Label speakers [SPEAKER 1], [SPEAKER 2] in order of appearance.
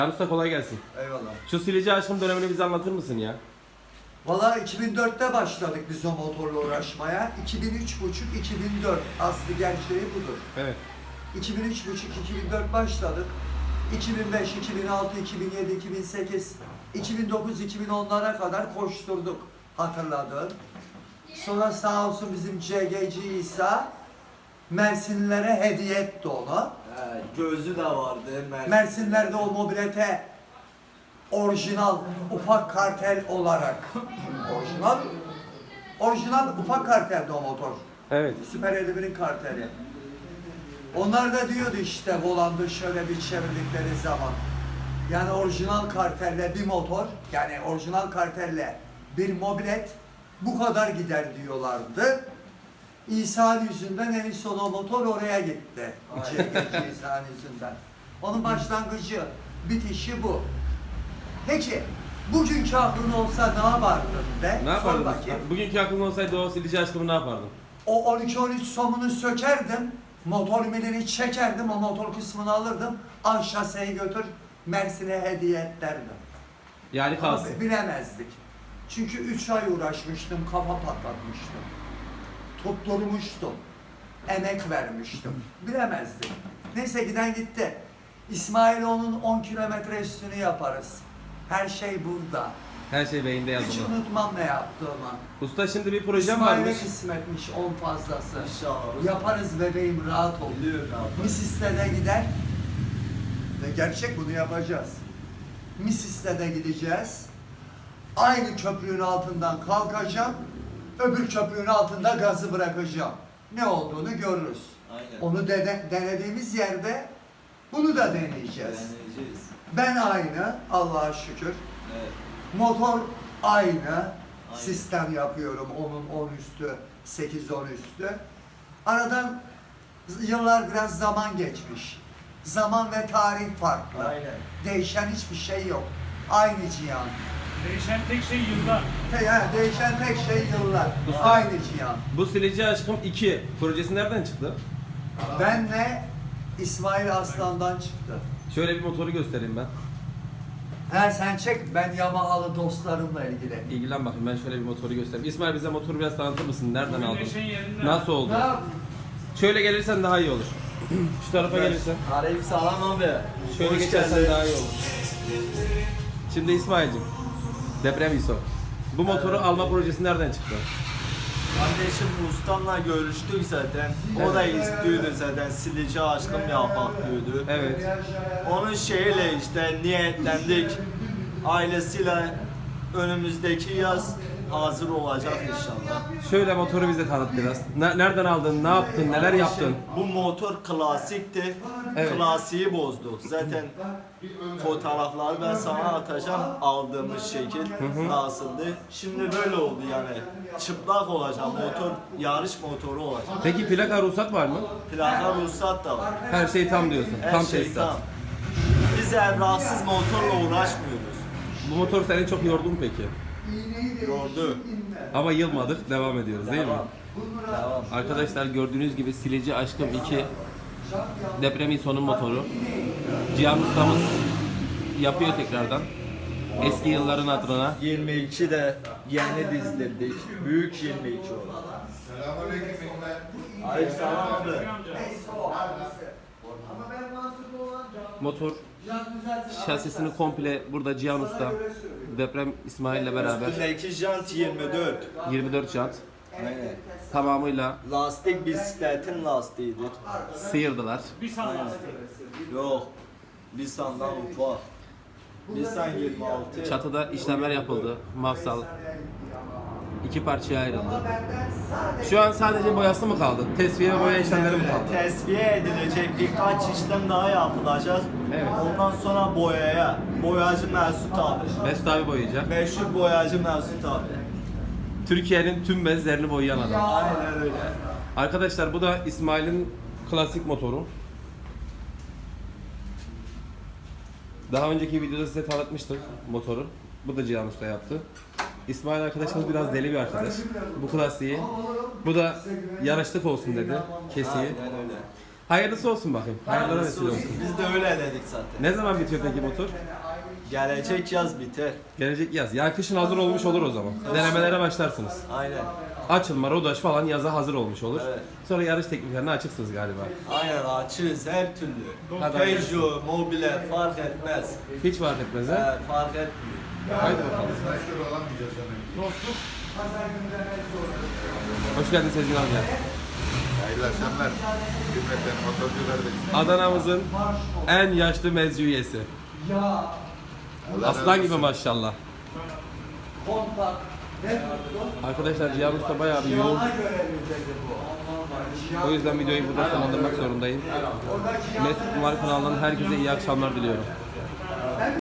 [SPEAKER 1] Usta kolay gelsin.
[SPEAKER 2] Eyvallah.
[SPEAKER 1] Şu silici aşkım dönemini bize anlatır mısın ya?
[SPEAKER 2] Valla 2004'te başladık biz o motorla uğraşmaya. 2003,5-2004 aslı gerçeği budur.
[SPEAKER 1] Evet.
[SPEAKER 2] 2003,5-2004 başladık. 2005, 2006, 2007, 2008, 2009, 2010'lara kadar koşturduk hatırladın. Sonra sağ olsun bizim CGC İsa Mersinlilere hediye etti onu.
[SPEAKER 3] Gözü de vardı.
[SPEAKER 2] Mersinlerde o mobilete orijinal ufak kartel olarak orijinal ufak karteldi o motor.
[SPEAKER 1] Evet.
[SPEAKER 2] Süper 51'in karteli. Onlar da diyordu işte volandı şöyle bir çevirdikleri zaman. Yani orijinal kartelle bir motor, yani orijinal kartelle bir mobilet bu kadar gider diyorlardı. İsa'nın yüzünden en son o motor oraya gitti. CGC İsa'nın yüzünden. Onun başlangıcı, bitişi bu. Peki, bugünkü aklın olsa ne yapardın de?
[SPEAKER 1] Ne yapardın
[SPEAKER 2] Sor
[SPEAKER 1] usta?
[SPEAKER 2] bakayım.
[SPEAKER 1] Bugünkü aklın olsaydı o silici aşkımı ne yapardın?
[SPEAKER 2] O 12-13 somunu sökerdim, motor milini çekerdim, o motor kısmını alırdım, al şaseyi götür, Mersin'e hediye et derdim.
[SPEAKER 1] Yani kalsın.
[SPEAKER 2] Abi bilemezdik. Çünkü 3 ay uğraşmıştım, kafa patlatmıştım. Tutturmuştum. Emek vermiştim. Bilemezdik. Neyse giden gitti. İsmailoğlu'nun 10 kilometre üstünü yaparız. Her şey burada.
[SPEAKER 1] Her şey beyinde
[SPEAKER 2] Hiç
[SPEAKER 1] yazılı.
[SPEAKER 2] unutmam ne yaptığımı.
[SPEAKER 1] Usta şimdi bir projem
[SPEAKER 2] İsmail'e
[SPEAKER 1] varmış.
[SPEAKER 2] kısmetmiş 10 fazlası.
[SPEAKER 3] İnşallah.
[SPEAKER 2] Yaparız bebeğim, rahat ol.
[SPEAKER 3] Biliyorum abi.
[SPEAKER 2] Misis'te de gider. Ve gerçek bunu yapacağız. Misis'te de gideceğiz. Aynı köprünün altından kalkacağım. Öbür köprünün altında gazı bırakacağım. Ne olduğunu görürüz.
[SPEAKER 3] Aynen.
[SPEAKER 2] Onu denediğimiz yerde bunu da deneyeceğiz.
[SPEAKER 3] Deneyeceğiz.
[SPEAKER 2] Ben aynı, Allah'a şükür.
[SPEAKER 3] Evet.
[SPEAKER 2] Motor aynı. Sistem yapıyorum. 10'un 10 üstü, 8-10 üstü. Aradan yıllar biraz zaman geçmiş. Zaman ve tarih farklı.
[SPEAKER 3] Aynen.
[SPEAKER 2] Değişen hiçbir şey yok. Aynı cihan.
[SPEAKER 4] Değişen tek şey yıllar.
[SPEAKER 2] Değişen tek şey yıllar.
[SPEAKER 1] Usta.
[SPEAKER 2] Aynı cihan.
[SPEAKER 1] Bu silici aşkım 2 projesi nereden çıktı?
[SPEAKER 2] Benle İsmail Aslan'dan çıktı.
[SPEAKER 1] Şöyle bir motoru göstereyim ben.
[SPEAKER 2] Sen çek, ben Yamahalı dostlarımla ilgili.
[SPEAKER 1] İlgilen bakayım, ben şöyle bir motoru göstereyim. İsmail bize motoru biraz tanıtır mısın? Nereden
[SPEAKER 4] Bugün
[SPEAKER 1] aldın?
[SPEAKER 4] neşen yerinde.
[SPEAKER 1] Nasıl oldu?
[SPEAKER 2] Ne yapayım?
[SPEAKER 1] Şöyle gelirsen daha iyi olur. Şu tarafa gelirsen.
[SPEAKER 3] Aleyküm selam abi.
[SPEAKER 1] Şöyle
[SPEAKER 3] Hoş
[SPEAKER 1] geçersen
[SPEAKER 3] geldin.
[SPEAKER 1] daha iyi olur. Şimdi İsmail'cim, deprem ISO. Bu motoru alma projesi nereden çıktı?
[SPEAKER 3] Kardeşim ustamla görüştük zaten. O da istiyordu zaten silici aşkım yapak diyordu.
[SPEAKER 1] Evet.
[SPEAKER 3] Onun şeyiyle işte niyetlendik. Ailesiyle önümüzdeki yaz hazır olacak inşallah.
[SPEAKER 1] Şöyle motoru bize tanıt biraz. Nereden aldın, ne yaptın, neler yaptın?
[SPEAKER 3] Bu motor klasikti.
[SPEAKER 1] Evet.
[SPEAKER 3] Klasiği bozdu. Zaten fotoğrafları ben sana atacağım aldığımız şekil nasıldı. Şimdi böyle oldu yani. Çıplak olacak motor, yarış motoru olacak.
[SPEAKER 1] Peki plaka ruhsat var mı?
[SPEAKER 3] Plaka ruhsat da var.
[SPEAKER 1] Her şey tam diyorsun.
[SPEAKER 3] Her
[SPEAKER 1] Tam
[SPEAKER 3] şey
[SPEAKER 1] tesisat.
[SPEAKER 3] tam. Biz evraksız motorla uğraşmıyoruz.
[SPEAKER 1] Bu motor seni çok yordu mu peki?
[SPEAKER 3] Yordu.
[SPEAKER 1] Ama yılmadık, devam ediyoruz değil mi?
[SPEAKER 3] Devam. Devam.
[SPEAKER 1] Arkadaşlar gördüğünüz gibi silici aşkım 2 deprem ISO'nun motoru. Cihan ustamız yapıyor tekrardan. Eski yılların adına.
[SPEAKER 3] 22 de yeni dizdirdik. Büyük 22 oldu. Aleykümselam abi.
[SPEAKER 2] Ama ben mantıklı olan
[SPEAKER 1] Motor şasisini komple burada Cihan Usta, deprem İsmail ile beraber
[SPEAKER 3] Üstündeki jant 24.
[SPEAKER 1] 24 jant
[SPEAKER 3] Aynen.
[SPEAKER 1] tamamıyla
[SPEAKER 3] Lastik bisikletin lastiğidir.
[SPEAKER 1] sıyırdılar.
[SPEAKER 4] Bir saniye.
[SPEAKER 3] Yok. Bir sandan ufak. Bir san 26.
[SPEAKER 1] Çatıda işlemler yapıldı. Mafsal 2 parçaya ayrıldı. Şu an sadece boyası mı kaldı? Tesviye ve boya işlemleri mi kaldı?
[SPEAKER 3] Tesviye edilecek birkaç işlem daha yapılacak.
[SPEAKER 1] Evet.
[SPEAKER 3] Ondan sonra boyaya. Boyacı Mesut abi.
[SPEAKER 1] Mesut abi boyayacak.
[SPEAKER 3] Meşhur boyacı Mesut abi.
[SPEAKER 1] Türkiye'nin tüm bezlerini boyayan adam.
[SPEAKER 3] Aynen öyle.
[SPEAKER 1] Arkadaşlar bu da İsmail'in klasik motoru. Daha önceki videoda size tanıtmıştık motoru. Bu da Cihan Usta yaptı. İsmail arkadaşımız biraz deli bir arkadaş. Bu klasiği. Bu da yarışlık olsun dedi. Kesiği.
[SPEAKER 3] Aynen öyle.
[SPEAKER 1] Hayırlısı olsun bakayım. Hayırlara vesile olsun.
[SPEAKER 3] Biz de öyle dedik zaten.
[SPEAKER 1] Ne zaman bitiyor peki motor?
[SPEAKER 3] Gelecek yaz biter.
[SPEAKER 1] Gelecek yaz. Ya kışın hazır olmuş olur o zaman. Denemelere başlarsınız.
[SPEAKER 3] Aynen.
[SPEAKER 1] Açılma, rodaj falan yaza hazır olmuş olur.
[SPEAKER 3] Evet.
[SPEAKER 1] Sonra yarış tekniklerine açıksınız galiba.
[SPEAKER 3] Aynen açığız her türlü.
[SPEAKER 1] Hadi.
[SPEAKER 3] Peugeot, Mobile fark etmez.
[SPEAKER 1] Hiç fark etmez ha.
[SPEAKER 3] Fark etmiyor.
[SPEAKER 1] Haydi bakalım.
[SPEAKER 4] Dostluk.
[SPEAKER 1] Hoş geldin Sezgin abi.
[SPEAKER 5] Hayırlı akşamlar. Hürmetler motorcu kardeşim.
[SPEAKER 1] Adana'mızın en yaşlı mezci üyesi.
[SPEAKER 2] Ya
[SPEAKER 5] Allah razı
[SPEAKER 1] Aslan gibi
[SPEAKER 5] olsun.
[SPEAKER 1] maşallah.
[SPEAKER 2] kontak ne tuttu?
[SPEAKER 1] Arkadaşlar Cihan Usta bayağı bir yoğun.
[SPEAKER 2] Cihana göre dedi bu.
[SPEAKER 1] O yüzden videoyu burada sonlandırmak zorundayım.
[SPEAKER 2] Orada Cihan
[SPEAKER 1] Mesut Kumar kanalından herkese iyi akşamlar diliyorum.